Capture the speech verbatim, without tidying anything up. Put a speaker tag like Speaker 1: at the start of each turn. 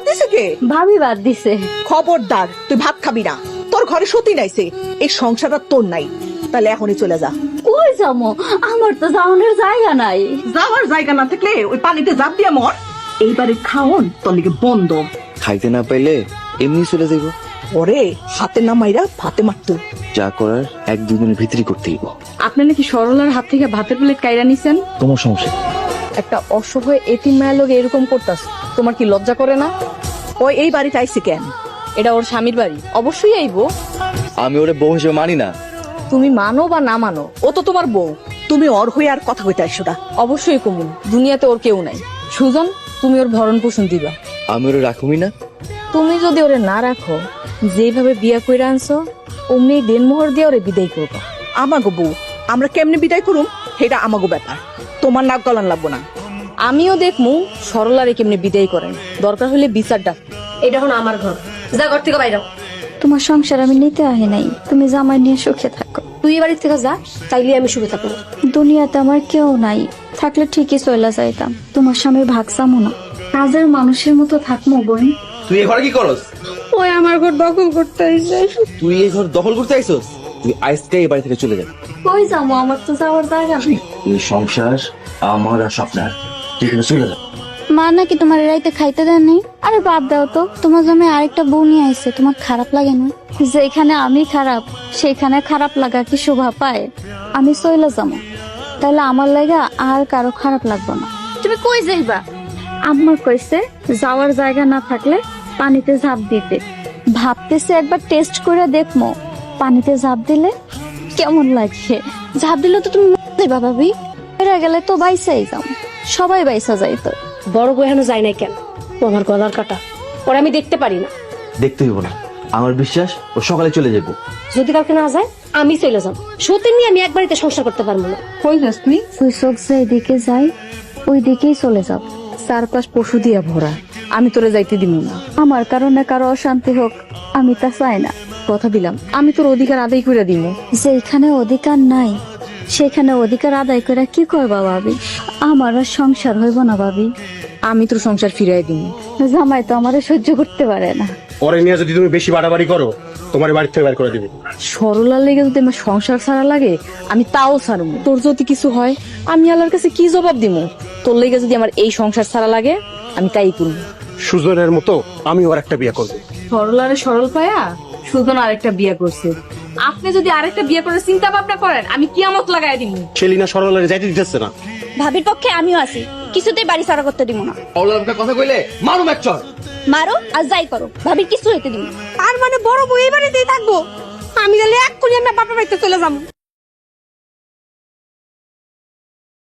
Speaker 1: দিছে কে?
Speaker 2: ভাবি বাদ দিছে।
Speaker 1: খবরদার, তুই ভাত খাবি না। তোর ঘরে সতী নাইছে, এই সংসারটা তোর নাই। তাহলে এখনই চলে যা।
Speaker 2: কই যামো? আমার তো যাওয়ানোর জায়গা নাই।
Speaker 1: যাওয়ার জায়গা না থাকলে ওই পানিতে জাপ দিয়া মর। এইবারে খাওন তোর লিগে বন্ধ।
Speaker 3: খাইতে না পাইলে এমনি চলে যাইব।
Speaker 1: ওরে হাতে না মাইরা ভাতে মারতো।
Speaker 3: যা করার এক দুই দিনের ভিতরই করতে হইব।
Speaker 4: আপনি নাকি সরলার হাত থেকে ভাতের প্লেট কাইরা নিছেন?
Speaker 3: তোমার সমস্যা?
Speaker 4: একটা অসহায় এতিম মায়ের লোক এরকম করতাস, তোমার কি লজ্জা করে না?
Speaker 1: ওই এই বাড়িতে আইছে কেন?
Speaker 4: এটা ওর স্বামীর বাড়ি, অবশ্যই আইবো।
Speaker 3: আমি ওরে বউ হিসেবে মানি না।
Speaker 4: তুমি মানো বা না মানো, ও তো তোমার বউ।
Speaker 1: তুমি ওর হয়ে আর কথা কইতে আইসো না।
Speaker 4: অবশ্যই কমুন, দুনিয়াতে ওর কেউ নাই। সুজন, তুমি ওর ভরণ পোষণ দিবা।
Speaker 3: আমি ওরে রাখুমি না।
Speaker 4: তুমি যদি ওরে না রাখো, যেভাবে বিয়া কইরা আনছো অমনি দেনমোহর দিয়ে ওরে বিদায় করবা।
Speaker 1: আমাগো বউ, আমরা কেমনে বিদায় করুম সেটা আমাগো ব্যাপার। তোমার নাক গলান লাগবো না।
Speaker 4: আমিও দেখমু সরলারে কেমনে বিদায় করেন, দরকার হলে বিচার ডাক।
Speaker 5: এটা এখন আমার ঘর, যা ঘর থেকে বাইরে।
Speaker 2: তোমার সংসার আমি নিতে আহি নাই, তুমি জামাই নিয়ে সুখে থাকো।
Speaker 5: তুই এ বাড়ি থেকে যা, তাইলে আমি সুখে থাকবো।
Speaker 2: দুনিয়াতে আমার কেউ নাই, থাকলে ঠিকই চলে যাইতাম। তোমার স্বামীর ভাগ চামো না, কাজের মানুষের মতো থাকবো বোন।
Speaker 3: তুই এই ঘরে কি করস?
Speaker 5: ওই আমার ঘর দখল করতে আইছে।
Speaker 3: তুই এই ঘর দখল করতে আইছস? তুই আজকে এই বাড়ি থেকে চলে যা।
Speaker 2: কই যাবো? আমার তো যাওয়ার জায়গা নেই।
Speaker 3: এই সংসার আমার আর স্বপ্নার, তুই চলে যা।
Speaker 2: মা নাকি তোমার রাইতে খাইতে দেন নাই? আরে বাদ দাও তো, তোমার জন্য আরেকটা বউ নিয়ে আইছে, তোমার খারাপ লাগে না? যেখানে আমি খারাপ সেখানে খারাপ লাগা কি শোভা পায়? আমি চলে যাবো, তাহলে আমার লাগা আর কারো খারাপ লাগবে না।
Speaker 5: তুমি কই যাইবা?
Speaker 2: আম্মা কইছে যাওয়ার জায়গা না থাকলে পানিতে ঝাঁপ দিতে। ভাবতেছে একবার টেস্ট করে দেখমো পানিতে ঝাঁপ দিলে কেমন লাগে। ঝাঁপ দিলে তো তুমি মরে যাইবা ভাবি, এরা গেলে তো বাইসাই যাও, সবাই বাইসা যাইতো।
Speaker 5: বড় বউ এখনো যায় নাই কেন? ও আমার গলার কাটা, ওরা আমি দেখতে পারি না।
Speaker 3: দেখতে হইব না, আমার বিশ্বাস ও সকালে চলে যাবো।
Speaker 5: যদি কাউকে না যায় আমি চলে যাবো। সত্যি নিয়ে আমি এক বাড়িতে সংসার করতে পারবো না।
Speaker 4: কই যাস তুই?
Speaker 2: ওই চোখ যেদিকে যায় ওই দিকেই চলে যাও।
Speaker 4: চারপাশ পশু দিয়া ভরা, আমি তোরে যাইতে দিব না।
Speaker 2: আমার কারণে কারো অশান্তি হোক আমি তা চাই না।
Speaker 4: কথা দিলাম, আমি তোর অধিকার আদায় করে দিব।
Speaker 2: যেখানে অধিকার নাই সেখানে অধিকার আদায় করে কি করবা ভাবি? আমার আর সংসার হইব না ভাবি।
Speaker 4: আমি তোর সংসার ফিরাই দিব।
Speaker 2: জামাই তো আমারে সহ্য করতে পারে না।
Speaker 6: পরে নিয়ে যদি তুমি বেশি বাড়াবাড়ি করো, তোমার বাড়ি থেকে বের করে দিবে।
Speaker 4: সরলার লেগে যদি আমার সংসার ছাড়া লাগে আমি তাও ছাড়বো। তোর যদি কিছু হয় আমি আল্লাহর কাছে কি জবাব দিব? তোর লেগে যদি আমার এই সংসার ছাড়া লাগে আমি তাই করবো।
Speaker 6: সুজনের মতো আমি ওর একটা বিয়ে করবো।
Speaker 4: সরলারে সরল পায়া সুজন আরেকটা বিয়ে করছে। আপনি যদি আরেকটা বিয়ে করে চিন্তা ভাবনা করেন আমি কিয়ামত লাগাই দিব।
Speaker 6: সেলিনা সরলারে যাইতে দিতেছে না।
Speaker 2: ভাবির পক্ষে আমিও আছি, কিছুতেই বাড়ি ছাড়া করতে দিব না।
Speaker 3: অল্লাহর কথা কইলে মারো ম্যাকচর।
Speaker 2: মারো আর যাই করো, ভাবির কিছু হইতে দিব না।
Speaker 5: আর মানে বড় বউ এই বাড়িতেই থাকবো? আমি গেলে এক করে আমরা বাপের বাড়িতে চলে যাবো।